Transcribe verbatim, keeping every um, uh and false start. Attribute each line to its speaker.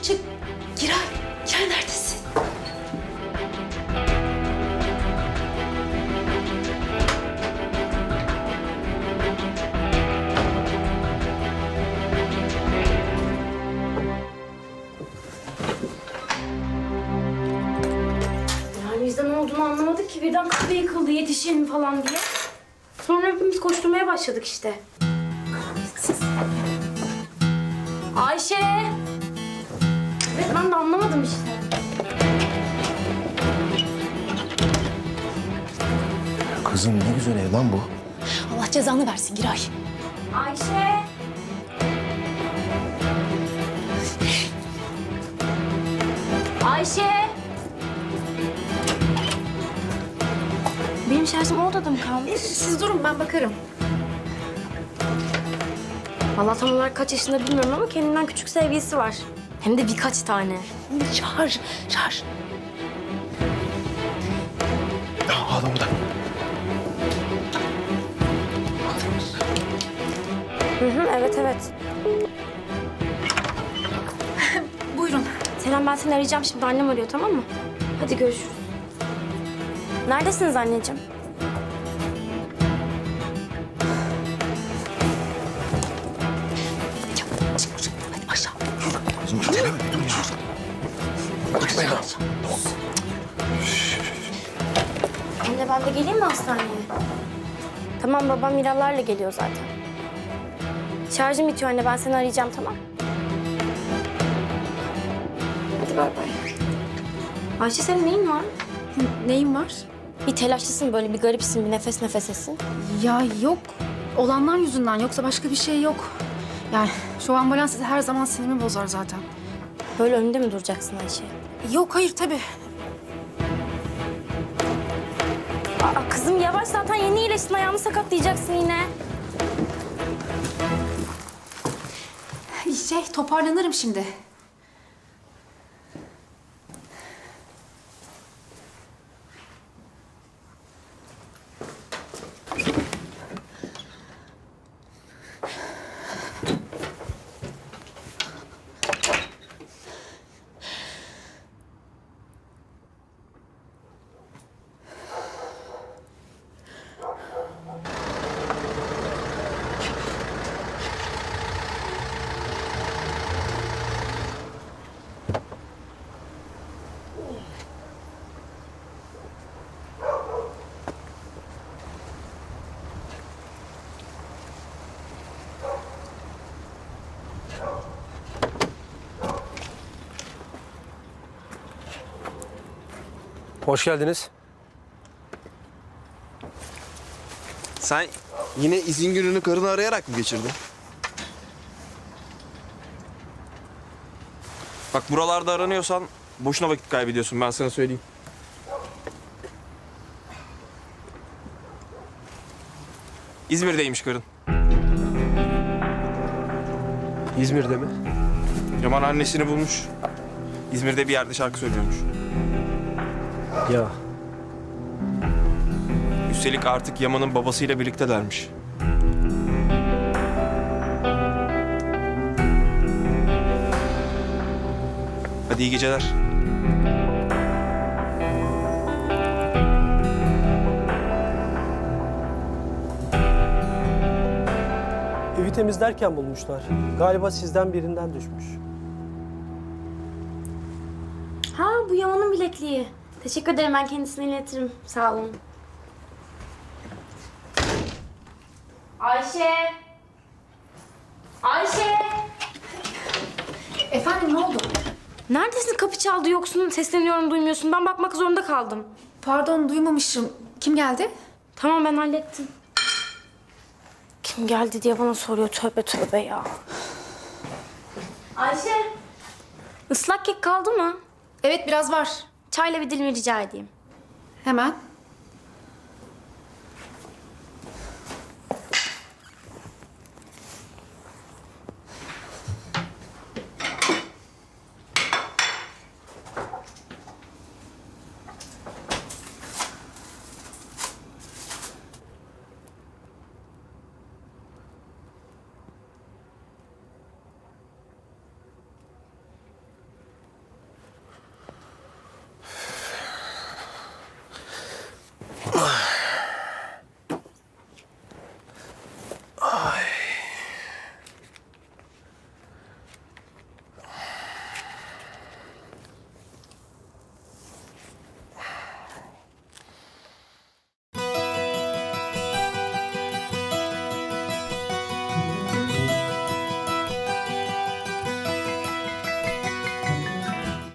Speaker 1: çık çık. Giray, Giray neredesin?
Speaker 2: Yani bizde ne olduğunu anlamadık ki birden kahve yıkıldı yetişelim falan diye. Sonra hepimiz koşturmaya başladık işte. Ayşe! Evet ben de anlamadım işte.
Speaker 3: Kızım ne güzel ev lan bu.
Speaker 1: Allah cezanı versin Giray.
Speaker 2: Ayşe! Ayşe! Benim şarjım o odada mı kalmış?
Speaker 1: Siz durun ben bakarım.
Speaker 2: Vallahi tam olarak kaç yaşında bilmiyorum ama kendinden küçük sevgilisi var. Hem de birkaç tane.
Speaker 1: Çağır, çağır.
Speaker 3: Aa, adam burada.
Speaker 2: Hı hı, evet evet.
Speaker 1: Buyurun.
Speaker 2: Selam ben seni arayacağım şimdi. Annem arıyor tamam mı? Hadi görüşürüz. Neredesiniz anneciğim?
Speaker 1: Çık, çık. Hadi aşağı.
Speaker 3: Kızım öteleme bir dur ya. Gitme ya.
Speaker 2: Anne ben de geleyim mi hastaneye? Tamam babam Miralar'la geliyor zaten. Şarjım bitiyor anne ben seni arayacağım tamam. Hadi bay bay. Ayşe senin neyin var?
Speaker 1: Neyin var?
Speaker 2: Bir telaşlısın böyle bir garipsin bir nefes nefesesin.
Speaker 4: Ya yok. Olanlar yüzünden yoksa başka bir şey yok. Yani şu ambulans her zaman sinirimi bozar zaten.
Speaker 2: Böyle önünde mi duracaksın Ayşe?
Speaker 4: Yok hayır tabii.
Speaker 2: Aa, kızım yavaş zaten yeni iyileştin ayağını sakatlayacaksın yine.
Speaker 4: Şey toparlanırım şimdi.
Speaker 5: Hoş geldiniz.
Speaker 6: Sen yine izin gününü karını arayarak mı geçirdin? Bak buralarda aranıyorsan boşuna vakit kaybediyorsun ben sana söyleyeyim. İzmir'deymiş karın.
Speaker 5: İzmir'de mi?
Speaker 6: Yaman annesini bulmuş. İzmir'de bir yerde şarkı söylüyormuş.
Speaker 5: Ya
Speaker 6: Üstelik artık Yaman'ın babasıyla birliktelermiş. Hadi iyi geceler.
Speaker 5: evi temizlerken bulmuşlar. Galiba sizden birinden düşmüş.
Speaker 2: Ha bu Yaman'ın bilekliği. Teşekkür ederim ben kendisine iletirim. Sağ olun. Ayşe! Ayşe!
Speaker 4: Efendim ne oldu?
Speaker 2: Neredesin? Kapı çaldı yoksun. Sesleniyorum duymuyorsun. Ben bakmak zorunda kaldım.
Speaker 4: Pardon duymamışım. Kim geldi?
Speaker 2: Tamam ben hallettim. Kim geldi diye bana soruyor. Tövbe tövbe ya. Ayşe! Islak kek kaldı mı?
Speaker 4: Evet biraz var.
Speaker 2: Çayla bir dilim rica edeyim.
Speaker 4: Hemen.